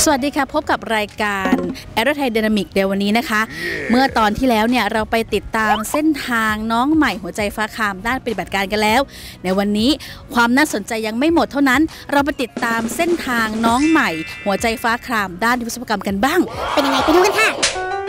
สวัสดีค่ะพบกับรายการ Aerodynamic ในวันนี้นะคะเมื่อตอนที่แล้วเนี่ยเราไปติดตามเส้นทางน้องใหม่หัวใจฟ้าครามด้านปฏิบัติการกันแล้วในวันนี้ความน่าสนใจยังไม่หมดเท่านั้นเราไปติดตามเส้นทางน้องใหม่หัวใจฟ้าครามด้านวิศวกรรมกันบ้างเป็นยังไงไปดูกันค่ะ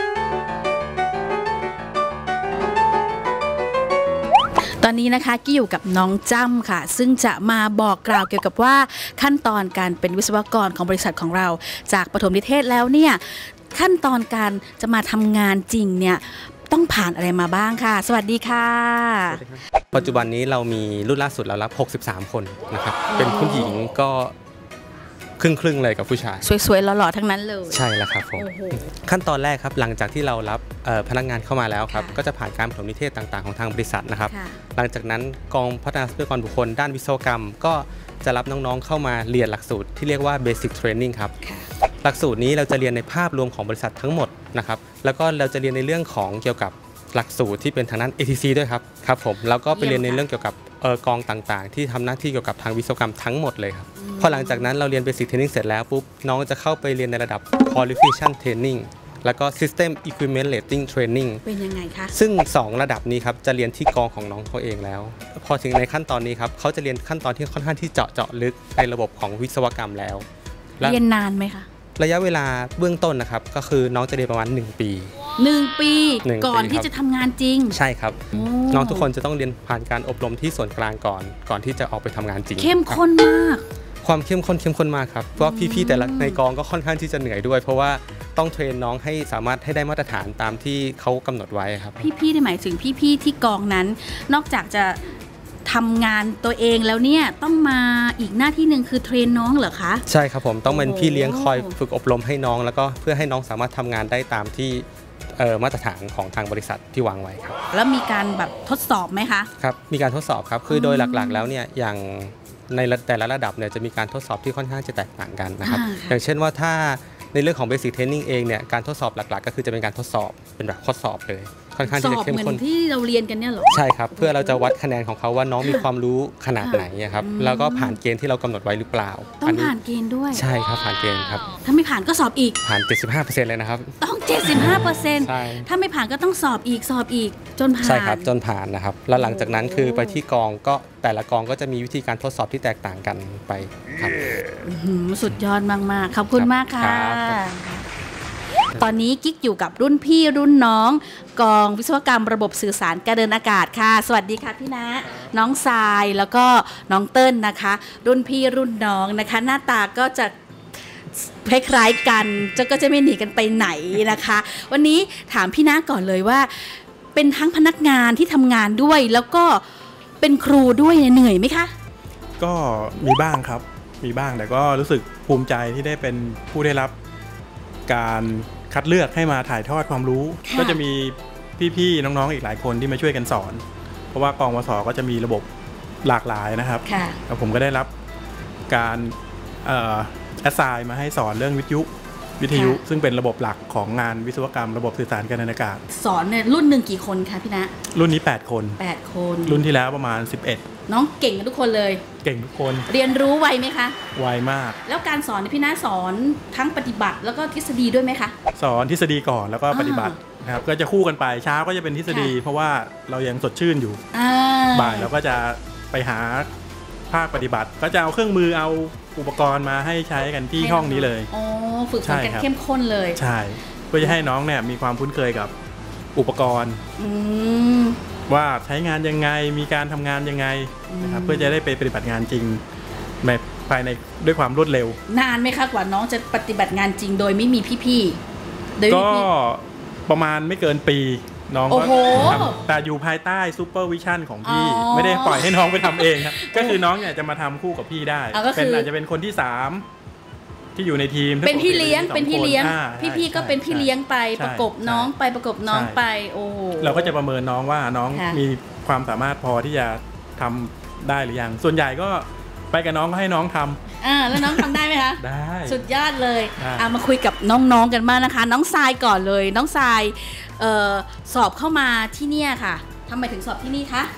ตอนนี้นะคะกี้อยู่กับน้องจ้ำค่ะซึ่งจะมาบอกกล่าวเกี่ยวกับว่าขั้นตอนการเป็นวิศวกรของบริษัทของเราจากปฐมนิเทศแล้วเนี่ยขั้นตอนการจะมาทำงานจริงเนี่ยต้องผ่านอะไรมาบ้างค่ะสวัสดีค่ะปัจจุบันนี้เรามีรุ่นล่าสุดเรารับ63คนนะครับเป็นผู้หญิงก็ครึ่งเลยกับผู้ชายสวยๆหล่อๆทั้งนั้นเลยใช่แล้วครับผมขั้นตอนแรกครับหลังจากที่เรารับพนักงานเข้ามาแล้วครับก็จะผ่านการปฐมนิเทศต่างๆของทางบริษัทนะครับหลังจากนั้นกองพัฒนาทรัพยากรบุคคลด้านวิศวกรรมก็จะรับน้องๆเข้ามาเรียนหลักสูตรที่เรียกว่า Basic Training ครับหลักสูตรนี้เราจะเรียนในภาพรวมของบริษัททั้งหมดนะครับแล้วก็เราจะเรียนในเรื่องของเกี่ยวกับหลักสูตรที่เป็นทางด้าน ATC ด้วยครับผมแล้วก็ไปเรียนในเรื่องเกี่ยวกับกองต่างๆที่ทำหน้าที่เกี่ยวกับทางวิศวกรรมทั้งหมดเลยครับพอหลังจากนั้นเราเรียน Basic Training เสร็จแล้วปุ๊บน้องจะเข้าไปเรียนในระดับ Qualification Training แล้วก็ System Equipment Rating Training เป็นยังไงคะซึ่ง2ระดับนี้ครับจะเรียนที่กองของน้องเขาเองแล้วพอถึงในขั้นตอนนี้ครับเขาจะเรียนขั้นตอนที่ค่อนข้างที่เจาะลึกในระบบของวิศวกรรมแล้วเรียนนานไหมคะระยะเวลาเบื้องต้นนะครับก็คือน้องจะเรียนประมาณ1 ปีก่อนที่จะทำงานจริงใช่ครับน้องทุกคนจะต้องเรียนผ่านการอบรมที่ส่วนกลางก่อนที่จะออกไปทำงานจริงเข้มข้นมากความเข้มข้นมากครับเพราะพี่ๆแต่ละในกองก็ค่อนข้างที่จะเหนื่อยด้วยเพราะว่าต้องเทรนน้องให้สามารถให้ได้มาตรฐานตามที่เขากำหนดไว้ครับพี่ๆได้หมายถึงพี่ๆที่กองนั้นนอกจากจะทำงานตัวเองแล้วเนี่ยต้องมาอีกหน้าที่หนึ่งคือเทรนน้องเหรอคะใช่ครับผมต้องเป็นพี่เลี้ยงคอยฝึกอบรมให้น้องแล้วก็เพื่อให้น้องสามารถทำงานได้ตามที่มาตรฐานของทางบริษัทที่วางไว้ครับแล้วมีการแบบทดสอบไหมคะครับมีการทดสอบครับคือโดยหลักๆแล้วเนี่ยอย่างในแต่ละระดับเนี่ยจะมีการทดสอบที่ค่อนข้างจะแตกต่างกันนะครับอย่างเช่นว่าถ้าในเรื่องของ Basic Training เองเนี่ยการทดสอบหลักๆก็คือจะเป็นการทดสอบเป็นแบบข้อสอบเลยค่อนข้างที่จะเข้มข้นที่เราเรียนกันเนี่ยหรอใช่ครับเพื่อเราจะวัดคะแนนของเขาว่าน้องมีความรู้ขนาดไหนครับแล้วก็ผ่านเกณฑ์ที่เรากำหนดไว้หรือเปล่าต้องผ่านเกณฑ์ด้วยใช่ครับผ่านเกณฑ์ครับถ้าไม่ผ่านก็สอบอีกผ่าน 75% เลยนะครับต้อง 75% ถ้าไม่ผ่านก็ต้องสอบอีกจนผ่านใช่ครับจนผ่านนะครับแล้วหลังจากนั้นคือไปที่กองก็แต่ละกองก็จะมีวิธีการทดสอบที่แตกต่างกันไปครับสุดยอดมากๆขอบคุณมากค่ะตอนนี้กิ๊กอยู่กับรุ่นพี่รุ่นน้องกองวิศวกรรมระบบสื่อสารการเดินอากาศค่ะสวัสดีค่ะพี่ณน้องทรายแล้วก็น้องเติ้ลนะคะรุ่นพี่รุ่นน้องนะคะหน้าตาก็จะคล้ายๆกันก็จะไม่หนีกันไปไหนนะคะวันนี้ถามพี่ณก่อนเลยว่าเป็นทั้งพนักงานที่ทำงานด้วยแล้วก็เป็นครูด้วยเหนื่อยไหมคะก็มีบ้างครับมีบ้างแต่ก็รู้สึกภูมิใจที่ได้เป็นผู้ได้รับการคัดเลือกให้มาถ่ายทอดความรู้ก็จะมีพี่ๆน้องๆอีกหลายคนที่มาช่วยกันสอนเพราะว่ากองวสก็จะมีระบบหลากหลายนะครับแล้วผมก็ได้รับการแอสไซน์มาให้สอนเรื่องวิทยุซึ่งเป็นระบบหลักของงานวิศวกรรมระบบสื่อสารการเดินอากาศสอนเนี่ยรุ่นหนึ่งกี่คนคะพี่ณรุ่นนี้8 คนรุ่นที่แล้วประมาณ11 น้องเก่งกันทุกคนเลยเก่งทุกคนเรียนรู้ไวไหมคะไวมากแล้วการสอนพี่ณสอนทั้งปฏิบัติแล้วก็ทฤษฎีด้วยไหมคะสอนทฤษฎีก่อนแล้วก็ปฏิบัตินะครับก็จะคู่กันไปเช้าก็จะเป็นทฤษฎีเพราะว่าเรายังสดชื่นอยู่บ่ายเราก็จะไปหาภาคปฏิบัติก็จะเอาเครื่องมือเอาอุปกรณ์มาให้ใช้กันที่ห้องนี้เลยฝึกฝนกันเข้มข้นเลยใช่เพื่อจะให้น้องเนี่ยมีความคุ้นเคยกับอุปกรณ์ว่าใช้งานยังไงมีการทำงานยังไงนะครับเพื่อจะได้ไปปฏิบัติงานจริงแบบภายในด้วยความรวดเร็วนานไหมคะกว่าน้องจะปฏิบัติงานจริงโดยไม่มีพี่ๆก็ประมาณไม่เกินปีน้องก็ทำแต่อยู่ภายใต้ซูเปอร์วิชั่นของพี่ไม่ได้ปล่อยให้น้องไปทำเองครับก็คือน้องเนี่ยจะมาทำคู่กับพี่ได้เป็นอาจจะเป็นคนที่3ที่อยู่ในทีมเป็นพี่เลี้ยงพี่ก็เป็นพี่เลี้ยงไปประกบน้องไปโอ้เราก็จะประเมินน้องว่าน้องมีความสามารถพอที่จะทำได้หรือยังส่วนใหญ่ก็ไปกับน้องก็ให้น้องทำแล้วน้องทำได้ไหมคะได้สุดยอดเลยมาคุยกับน้องๆกันบ้างนะคะน้องทรายก่อนเลยน้องทรายสอบเข้ามาที่นี่ค่ะทำไมถึงสอบที่นี่คะ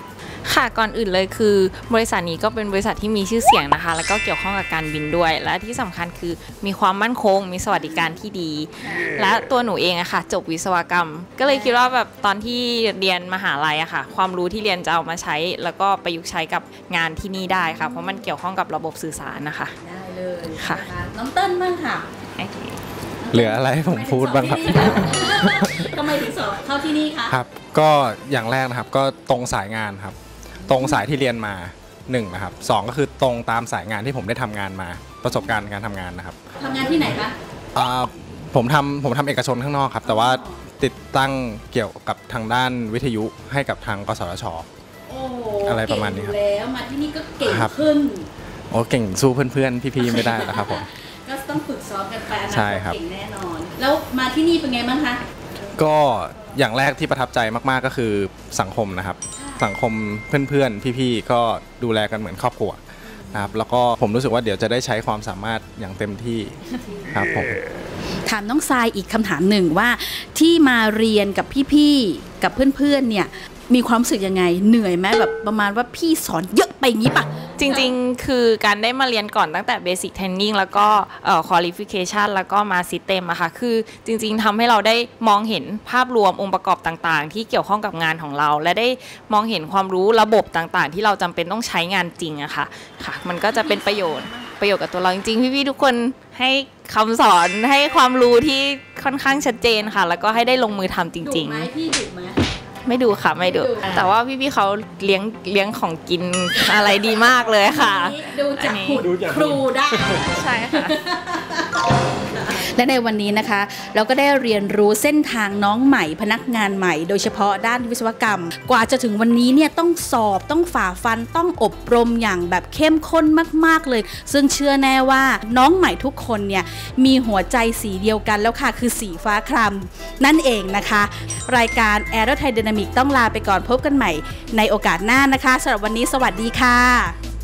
ค่ะก่อนอื่นเลยคือบริษัทนี้ก็เป็นบริษัทที่มีชื่อเสียงนะคะแล้วก็เกี่ยวข้องกับการบินด้วยและที่สำคัญคือมีความมั่นคงมีสวัสดิการที่ดี และตัวหนูเองอะค่ะจบวิศวกรรมก็เลยคิดว่าแบบตอนที่เรียนมหาลัยอะค่ะความรู้ที่เรียนจะเอามาใช้แล้วก็ประยุกต์ใช้กับงานที่นี่ได้ค่ะเพราะมันเกี่ยวข้องกับระบบสื่อสารนะคะได้เลยค่ะน้องเติ้ลบ้างค่ะเหลืออะไรให้ผมพูดบ้างครับทำไมถึงสอบเข้าที่นี่คะครับก็อย่างแรกนะครับก็ตรงสายงานครับตรงสายที่เรียนมา1นะครับ2ก็คือตรงตามสายงานที่ผมได้ทำงานมาประสบการณ์การทำงานนะครับทำงานที่ไหนคะผมทำเอกชนข้างนอกครับแต่ว่าติดตั้งเกี่ยวกับทางด้านวิทยุให้กับทางกสทช.อะไรประมาณนี้ครับแล้วมาที่นี่ก็เก่งขึ้นโอ้เก่งสู้เพื่อนๆพี่ๆไม่ได้แล้วครับผมก็ต้องฝึกซ้อมกันไปนะเก่งแน่นอนแล้วมาที่นี่เป็นไงบ้างคะก็อย่างแรกที่ประทับใจมากๆก็คือสังคมนะครับสังคมเพื่อนๆพี่ๆก็ดูแลกันเหมือนครอบครัวนะครับแล้วก็ผมรู้สึกว่าเดี๋ยวจะได้ใช้ความสามารถอย่างเต็มที่ครับผมถามน้องทรายอีกคำถามหนึ่งว่าที่มาเรียนกับพี่ๆกับเพื่อนๆเนี่ยมีความรู้สึกยังไงเหนื่อยไหมแบบประมาณว่าพี่สอนเยอะไปงี้ปะจริงๆคือการได้มาเรียนก่อนตั้งแต่ Basic Training แล้วก็Qualification แล้วก็มา System อะค่ะคือจริงๆทำให้เราได้มองเห็นภาพรวมองค์ประกอบต่างๆที่เกี่ยวข้องกับงานของเราและได้มองเห็นความรู้ระบบต่างๆที่เราจำเป็นต้องใช้งานจริงอะค่ะมันก็จะเป็นประโยชน์กับตัวเราจริงๆพี่ๆทุกคนให้คำสอนให้ความรู้ที่ค่อนข้างชัดเจนค่ะแล้วก็ให้ได้ลงมือทำจริงๆดุไหมพี่ดุไหมไม่ดูค่ะไม่ดูแต่ว่าพี่ๆเขาเลี้ยงของกินอะไรดีมากเลยค่ะดูจากครูได้ใช่ค่ะและในวันนี้นะคะเราก็ได้เรียนรู้เส้นทางน้องใหม่พนักงานใหม่โดยเฉพาะด้านวิศวกรรมกว่าจะถึงวันนี้เนี่ยต้องสอบต้องฝ่าฟันต้องอบรมอย่างแบบเข้มข้นมากๆเลยซึ่งเชื่อแน่ว่าน้องใหม่ทุกคนเนี่ยมีหัวใจสีเดียวกันแล้วค่ะคือสีฟ้าครามนั่นเองนะคะรายการ Aero Thai Dynamic ต้องลาไปก่อนพบกันใหม่ในโอกาสหน้านะคะสำหรับวันนี้สวัสดีค่ะ